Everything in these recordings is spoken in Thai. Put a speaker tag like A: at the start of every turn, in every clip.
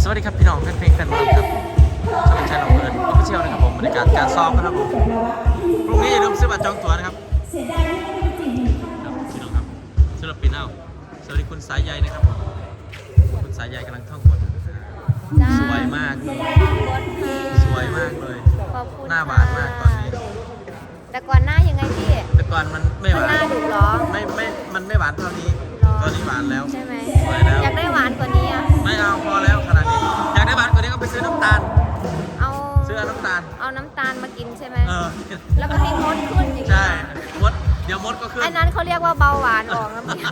A: สวัสดีครับพี่น้องแฟนเพลงแฟนบอลครับช่องชาแนลเปิดออฟฟิเชียลนะครับผมบรรยากาศการซ้อมนะครับผมพรุ่งนี้อย่าลืมซื้อบัตรจองตั๋วนะครับพี่น้องครับศิลปินเอาสวัสดีคุณสายใยนะครับคุณสายใยกำลังท่องบทสวยมากสวยมากเลยหน้าหวานมากตอนนี้
B: แต่ก่อนหน้ายังไงพี่
A: แต่ก่อนมันไม่หวาน
B: หน้าดุหรอ
A: มันไม่หวานเท่านี้ตอนนี้หวานแล้ว
B: ใช่ไหม
A: สวยแล้ว
B: อยากได้หวานกว่านี้อ่ะ
A: ไม่เอาพอแล้วขนาดนี้อยากได้หวานกว่านี้ก็ไปซื้อน้ำตาล
B: เอา
A: ซื้อน้ำตาล
B: เอาน้ำตาลมากินใช่ไหม แล้วก็ให้มดขึ้นอย่างนี้
A: ใช่มดเดี๋ยวมดก็ขึ้น
B: ไอ้นั้นเขาเรียกว่าเบาหวานออกแล้วพี่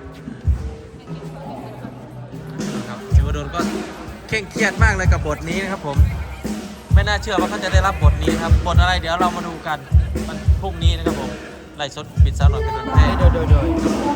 A: ครับจิวดลก็เคร่งเครียดมากเลยกับบทนี้นะครับผมไม่น่าเชื่อว่าเขาจะได้รับบทนี้ครับบทอะไรเดี๋ยวเรามาดูกันมันพรุ่งนี้นะครับผมไล่สดปิดซาวหน่อยเป็นวันแรกโดย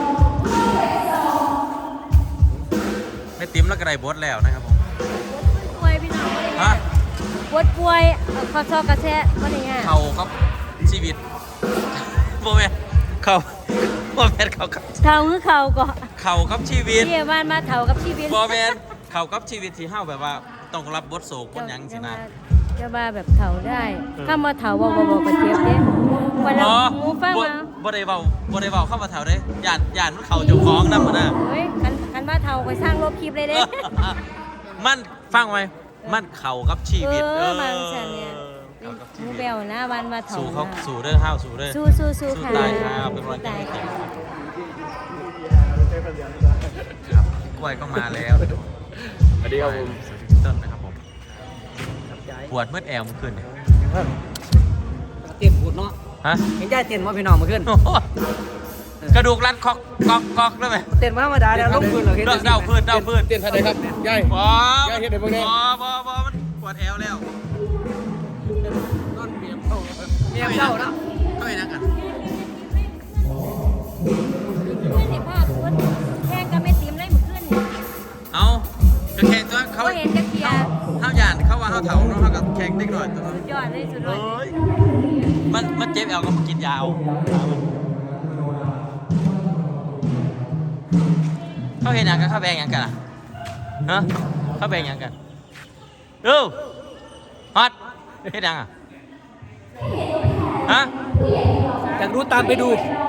A: ไม่ติ้มแล้วก็ได้บทแล้วนะครับผม
B: ป่วยพี่น้อง
A: ฮะ
B: ป่วยข้อซอกกระแทกก็อย่างเงี้ย
A: เขาครับชีวิตโมเมนเขาโมเมนเขาครับ
B: เท่าคือเข่าก็
A: เขาครับชีวิต
B: ที่บ้านมาเท่ากับชีวิต
A: โมเมนเขาครับชีวิตที่เฮาแบบว่าต้องรับบทโศกบทยังสินะ
B: จะมาแบบเถาได้ข้ามาเถาบ่กระเจี๊ยบเด้วันละหมูฟังมา
A: บ่ได้เว้าเข้ามาเถาเด้ย่านมันเขาเจ้าของนำมาน่ะ
B: เฮ้ยกันมาเถาไปสร้างลบคลิปเลยเด้
A: มันฟังไว้มันเขากับชีวิต
B: มาฉันเนี่ยมูเบลนะวันมาเถา
A: สู่เด้อห้าวสู่เด้อ
B: สู้ค่ะ
A: ตายครับเป็นวันที่ครับกล้วยก็มาแล้ว
C: สวัสดีครับผม
A: สวัสดีต้นนะครับผมปวดเมื่อแอวเมื่อคืนเนี่ย
C: เต้นพูดเนาะ
A: ฮะ
C: เห็นได้เต้นว่าพี่น้องเมื่อคืน
A: กระดูกรัดคอกได้ไหม
C: เต้นมาธรรมดาแล้วลงพื้นเหรอ
A: เดาพื้น
C: เต้นท่าใดครับยาย
A: ยาย
C: เห็นได้บ้างเนี่ย
A: บ่มันปวดแอวแล้ว
C: ต้นเมียเข้านะ
A: ก็ไม่นักกัน
B: ไม่เห็นภาพคุณแข่งกันไม่ตีมเลยเหมือนขึ้น
A: เอาจะแข่งตัวเขา
B: เห็นจะเกียร์
A: ห้าวหยานเขาว่าห้าวเถาเนาะเขากับแข่งเล็กหน่อยตัวนั้น
B: ยอดเลยสุดเลย
A: มันเจ็บแอวก็มากินยาวเขาเห็นอย่างกันเขาแบ่งอย่างกันอ่ะฮะเขาแบ่งอย่างกันดูฮอตเห็นอย่างอ่ะฮะ
C: อยากรู้ตามไปดู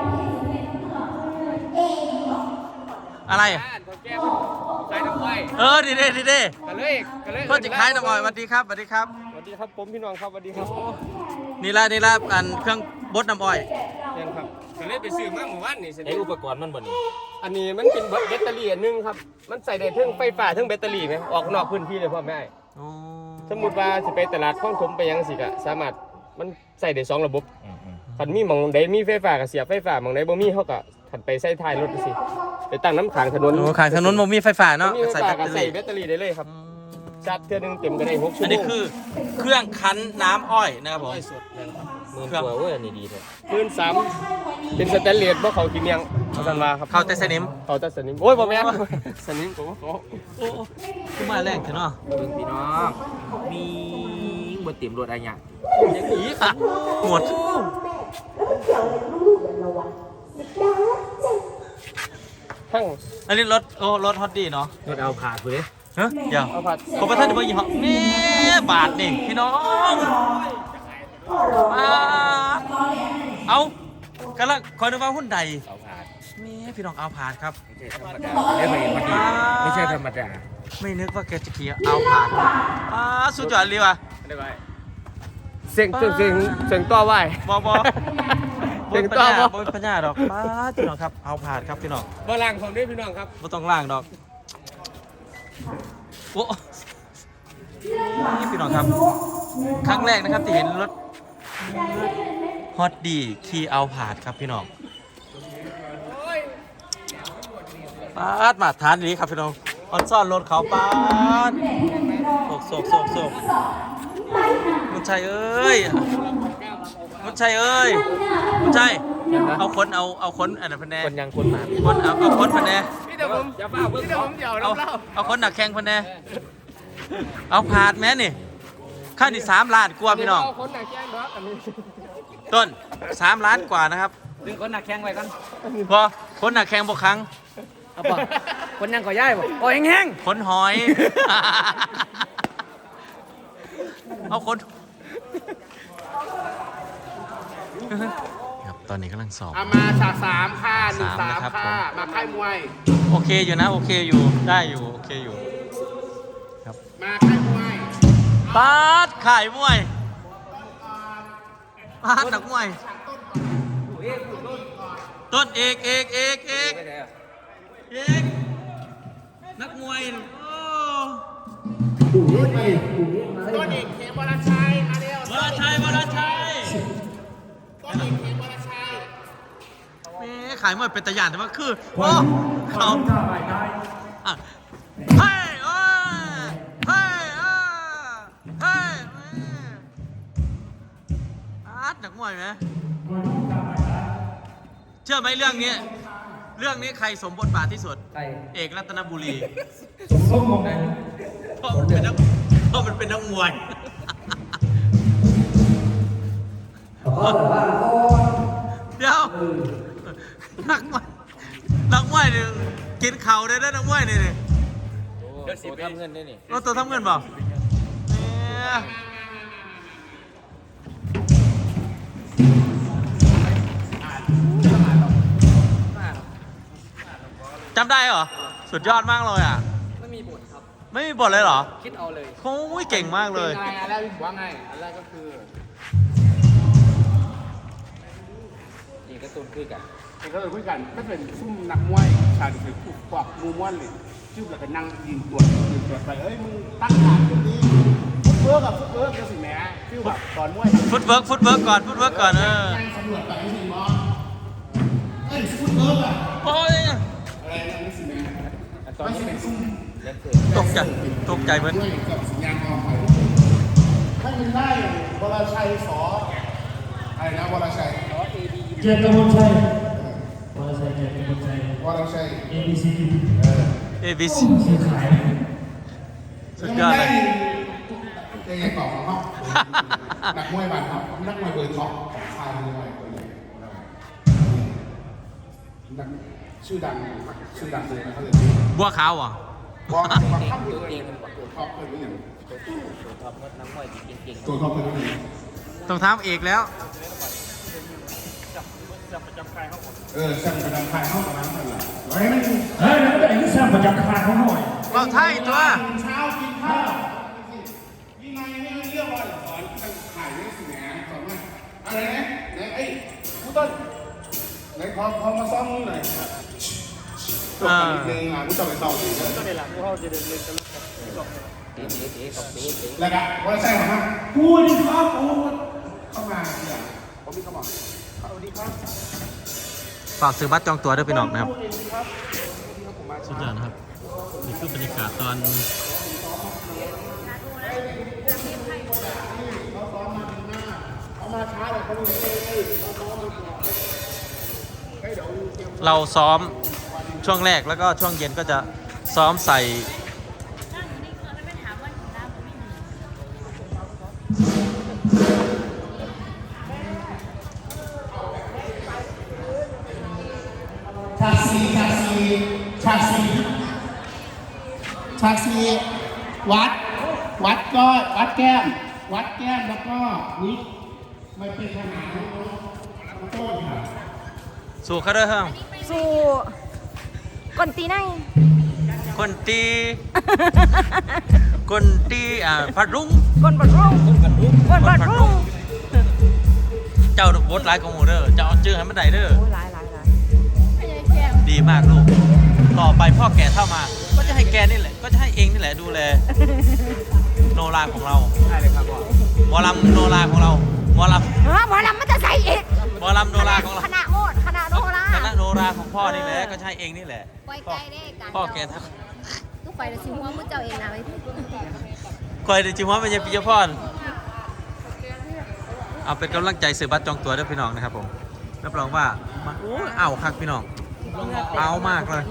A: อะไร
C: ขายน้ำอ้อย
A: ดีเด้กันเลยเพื่อนจะขายน้ำอ้อยสวัสดีครับ
C: ผมพี่น้องครับสวัสดีครับ
A: นี่ละอันเครื่องบดน้ำอ้อย
C: ยังครับก็เลยไปซื้อมาเมื่อวานนี่
A: ไออุปกรณ์มันบ่นี่
C: อันนี้มันเป็นแบตเตอรี่อันนึงครับมันใส่ได้ทั้งไฟฟ้าทั้งแบตเตอรี่ไหมออกนอกพื้นที่เลยพ่อแม่สมมติว่าจะไปตลาดคลองถมไปยังสิกะสามารถมันใส่ได้2ระบบคันมีหม่องใดมีไฟฟ้าก็เสียบไฟฟ้าหม่องใดบ่มีเฮาก็ถัดไปใส่ท้ายรถสิไปตั้งน้ำขางถนน
A: ขางถนนบ่มีไฟฟ้าเนาะ
C: ใส่แบตเตอรี่ได้เลยครับชัดเทื่อนึงเต็มก็ได้6ชั่วโมง
A: อันนี้คือเครื่องคั้นน้ำอ้อยนะครับผม
C: เครื่องตัวอันนี้ดีเลยพื้น3เป็นสแตนเลสบ่เขาขี้เมียงเอาซั่นว่าครับ
A: เขาแต่สนิม
C: โอ้ยบ่แม่นสนิมผมว่า
A: โอ้คือมาแรงเถอะเนาะ
C: พี่น้องมีบ่เต็มรถอะไรอย่าง
A: นี้หมดอันนี้รถฮอตดีเนาะ
C: รถเอาผ่าคือ
A: เฮ้ยเดี๋ยวผมประทานจะมายี่ห้อนี่บาทนี่พี่น้องเอากำลังคอยนึกว่าหุ้นใด
C: เอาผ่า
A: นี่พี่น้องเอาผ่านครับ
C: ไม่ใช่ธรรมดา
A: ไม่นึกว่าแกจะขี่เอาผ่านสุดยอดเลยว่ะ
C: เสียงต่อไหว
A: บเสียงต่อบ่ปัญญาดอกพี่น้องครับเอาผ่านครับพี่น้อง
C: บ่ล่างผมด้วยพี่น้องครับ
A: บ่ต้องล่างดอกโอ้นี่พี่น้องครับครั้งแรกนะครับที่เห็นรถฮอตดีขี่เอาผ่านครับพี่น้องมาทานนี้ครับพี่น้องออนซ่อนรถเขาโศกมุนชัยเอ้ยมุนชัยเอาคนอันนั้นพันแน่
C: คนยังคนมา
A: เอาคนพันแน่
C: พี่เดี๋ยวผมอย่าเฝ้าเพิ่งผมเดี๋ยว
A: เอาคนหนักแข่งพันแน่เอาผ่านแม่นี่ค่านี่3 ล้านกว่าพี่น้อง
C: คนหนักแข่งครับอันนี้
A: ต้น3 ล้านกว่านะครับ
C: ดึงคนหนักแข่งไว้กัน
A: พอคนหนักแข่งบ่ครั้ง
D: เอาป่ะคนยังก่อย่ายบ่โอ้ยแห้ง
A: คนหอย เอาคนครับตอนนี้กำลังสอบ
E: เอามาฉากสามค่ะหนึ่ง
A: สา
E: สาม ม
A: นะครับ
E: ค่ะ
A: ผม
E: มาค่ายมวย
A: โอเคอยู่นะโอเคอยู่ได้อยู่โอเคอยู่
E: มาค่ายมวย
A: ปาดขายมวยปาดหนักมวยต้นเอกนักมวยโอ้
E: ต้นเอกเขมวรชัยมาเร็ว
A: วรชัยวรชัย
E: ต้นเอกเขมวรชัย
A: แม่ขายมวยเป็นตะยานแต่ว่าคือโอ้เขาอ่ะเฮ้ยโอ้ยเฮ้ยเฮ้ยอาร์ตหนักมวยไหมเชื่อไหมเรื่องนี้ใครสมบทบาทที่สุด
D: ไก่
A: เอกรัตนบุรี
D: ส้มมองไหน
A: เพราะมันเป็นนักมวยเดี๋ยวนักมวยเนี่ยกินเข่าได้ด้วยนักมวยเนี่ย
C: เดี๋ยวสิทำเงินได้นี่
A: เราตัวทำเงินเปล่าเนี่ยจำได้เหรอ สุดยอดมากเลยอ่ะ
D: ไม่มีบทครับ
A: ไม่มีบทเลยเหรอ
D: คิดเอาเลย
A: โอ้ยเก่งมากเลย
E: เป็นไงอันแรกพี่บอกว่าไงอันแรกก็คือ
C: นี่ก็ตุนคือกัน
E: เอกก็เลยคุยกันไม่เป็นซุ่มนักมวยชาดิคือผูกปอกมูม้วนเลยชื่อแบบเป็นนั่งยิงตรวจไปเอ้ยมึงตั้งฐานตรงนี้ฟุตเวิร์กกับฟุตเวิร์กก็สิแหมชื่อแบบตอนมวย
A: ฟุตเวิร์กก่อนฟุตเวิร์กก่อน
E: นั่งสำรวจไปไม่ใช่มอเอ้ยฟุตเวิร์กอะ
A: โอ้ย
E: อะไรนะนี่สิแหม
C: ตอนนี้เป็นซุ่มเล่นเสือ
A: ตกใจเหมือน
E: ด้วยกับสัญญาณกองไฟถ้ามันได้วรชัยสออะไรนะวรชัย
F: เกียรติกมลชัยวรชัยเกียรติกมลชัยว
E: รชัย
F: ABC
A: ABC
F: สื่อขาย
A: สุดยอดเลย
E: ได้ยังตอบของเขานักมวยบัตรครับนักมวยเบอร์ท็อปของค่ายมวยคนนี้นักชื่อดังเลยนะเขาเลย
A: บัวขาวเหรอ่ะ
E: บอกว่าข้ามตัวเองตัวท็อปเลยไม่อย่าง
C: ท็อปน้ำมวยเก่ง
E: ตัวท็อปเลยไม่อย่าง
A: ต้องทำเอกแล้ว
E: ช่างประจำค่ายเข้ากับน้ำกันล่ะไว้มัน
F: เฮ้ยแล้วไอ้ที่สร้างประจำคารเขาหน่อย
A: เราไทยตัว
E: เช้ากินข้าวยิ่งไงนี่เรื่องว่าสอนมันถ่ายเรื่องสิ่งนี้สอนว่าอะไรนะไหนไอ้ผู้ต้นไหนพอมาซ่อมหน่อยตัวนิดนึงผู้ต้นไปซ่อมดีเลย
C: ๆเตะของเตะ
E: แล้วก็ว่าใช่ไหม
F: กูนี่ครับโอ้
E: เข้ามาเนี่ยผมมีเข้ามาสวัสดีครับ
A: ฝากซื้อบัตรจองตั๋วด้วยพี่น้องนะครับสุดยอดนะครับนี่คือบรรยากาศตอนเราซ้อมช่วงแรกแล้วก็ช่วงเย็นก็จะซ้อมใส่
E: ฉากซีวัดก็วัดแก้มแล้วก็วิไม่เป็นขนาดต้นค่ะ
A: สู่เขาด้วยเฮ้ย
B: สู่กนตีไน
A: คนตีคนตีพัดรุ่ง
B: กนบัดรุ่งกนบัดรุ่ง
A: เจ้าบทหลายของหมูเด้อเจ้าเอาชื่อให้มันได้เด้อ
B: โอ้หลาย
A: ดีมากลูก ต่อไปพ่อแก่เท่ามา ก็จะให้แกนี่แหละ ก็จะให้เองนี่แหละดูแล โนราของเรา
C: ใช่เลยครับพ่อ
A: หมอลำโนราของเรา หมอล
B: หมอลำมันจะใส่อีก
A: ำหมอลำโนราของเรา
B: คณะโมดคณะโนรา
A: คณะโนราของพ่อนี่แหละ ก็จะให้เองนี่แหละ
G: ไว้ใจได้การ
A: พ่อแก่เท่า
G: ทุกไฟเลยชิมว่ามุ้เจ้าเองนะไว้ที่
A: คอยเดจิมว่าเป็นยาปิยพรเอาเป็นกำลังใจซื้อบัตรจองตั๋วด้วยพี่น้องนะครับผมรับรองว่ามันโอ้ยเอาคักพี่น้อง เอามากเลย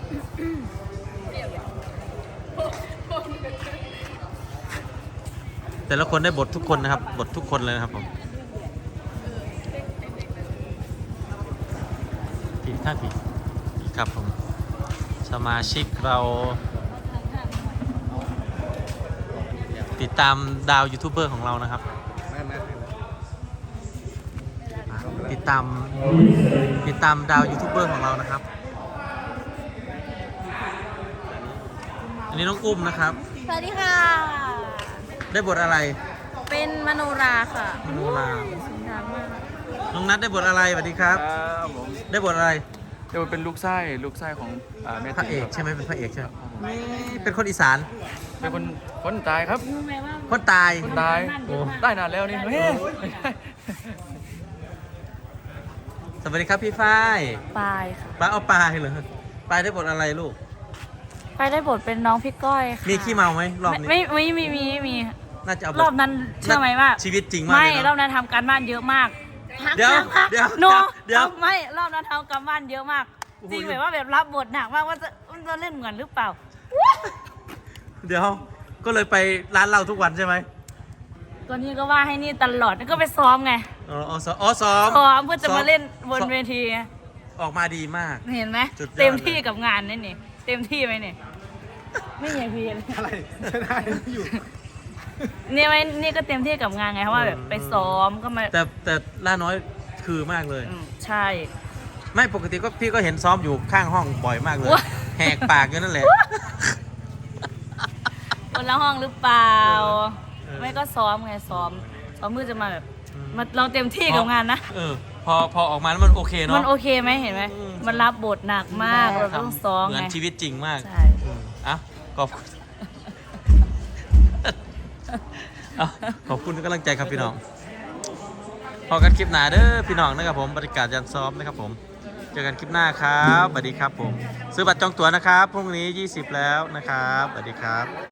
A: แต่ละคนได้บททุกคนนะครับ บททุกคนเลยนะครับผมผิดท่าผิดครับผมสมาชิกเราติดตามดาวยูทูบเบอร์ของเรานะครับติดตามดาวยูทูบเบอร์ของเรานะครับ อันนี้น้องอุ้มนะครับ
G: สวัสดีค่ะ
A: ได้บทอะไร
G: เป็นมโนราค่ะ
A: มโนรา
G: สุนทรมาก
A: น้องนัทได้บทอะไรสวัสดีครับ
H: ครับผม
A: ได้บทอะไร
H: เดี๋ยวเป็นลูกไส้ของแม่
A: พระเอก
H: คบ
A: ใช่ไหมเป็นพระเอกใช่ไหมนี่เป็นคนอีสาน
H: เป็นคนตายครับ
A: คนตาย
H: คนตายได้นานแล้วนี่เฮ้ย
A: สวัสดีครับพี่ฝ้าย
B: ปายค่ะ
A: ป้าเอาปลายเหรอปลายได้บทอะไรลูก
B: ไปได้บทเป็นน้องพี่ก้อยค่ะ
A: มีขี้เมาไหมรอบนี้
B: ไม่มี
A: น่าจะเอาบท
B: รอบนั้นเชื่อไหมว่า
A: ชีวิตจริงมาก
B: ไม่
A: เลย
B: รอบ
A: เนาะ
B: นั้นทำการบ้านเยอะมาก
A: เดี๋ยวเดี๋ยว
B: โน
A: เดี๋ยว
B: ไม่รอบนั้นทำการบ้านเยอะมาก
A: โอ้โห
B: จริงแบบว่าแบบรับบทหนักมากว่าจะเล่นเหมือนหรือเปล่า
A: เดี๋ยวก็เลยไปร้านเราทุกวันใช่ไหม
B: ก็นี่ก็ว่าให้นี่ตลอดก็ไปซ้อมไง
A: อ๋อซ้อม
B: ซ้อมเพื่อจะมาเล่นบนเวที
A: ออกมาดีมาก
B: เห็นไหม
A: สุดยอด
B: เต็มที่กับงานนี่นี่เต็มที่ไหมนี่ไม่ใช่พี่เลย
E: อะไรไม่ได้อยู่
B: นี่ไหมนี่ก็เต็มที่กับงานไงเพราะว่าแบบไปซ้อมก็มา
A: แต่ล่าน้อยคือมากเลย
B: ใช่
A: ไม่ปกติก็พี่ก็เห็นซ้อมอยู่ข้างห้องบ่อยมากเลย
B: ว้า
A: แหกปากอยู่นั่นแหละ
B: คนละห้องหรือเปล่า
A: เออ
B: ไม่ก็ซ้อมไงซ้อมเพื่อจะมาแบบมาเราเต็มที่กับงานนะ
A: พอออกมาแล้วมันโอเคเนาะ
B: มันโอเคไหมเห็นไหม
A: อืม
B: มันรับบทหนักมากเราต้องซ้อม
A: เหมือน
B: ไง
A: ชีวิตจริงมาก
B: ใช่
A: อ่ะขอบคุณเอาขอบคุณทุกกำลังใจครับพี่น้อง พอกันคลิปหน้าเด้อพี่น้องนะครับผมบรรยากาศยันซ้อมนะครับผม เจอกันคลิปหน้าครับสวัสดีครับผม ซื้อบัตรจองตั๋วนะครับพรุ่งนี้ 20 แล้วนะครับสวัสดีครับ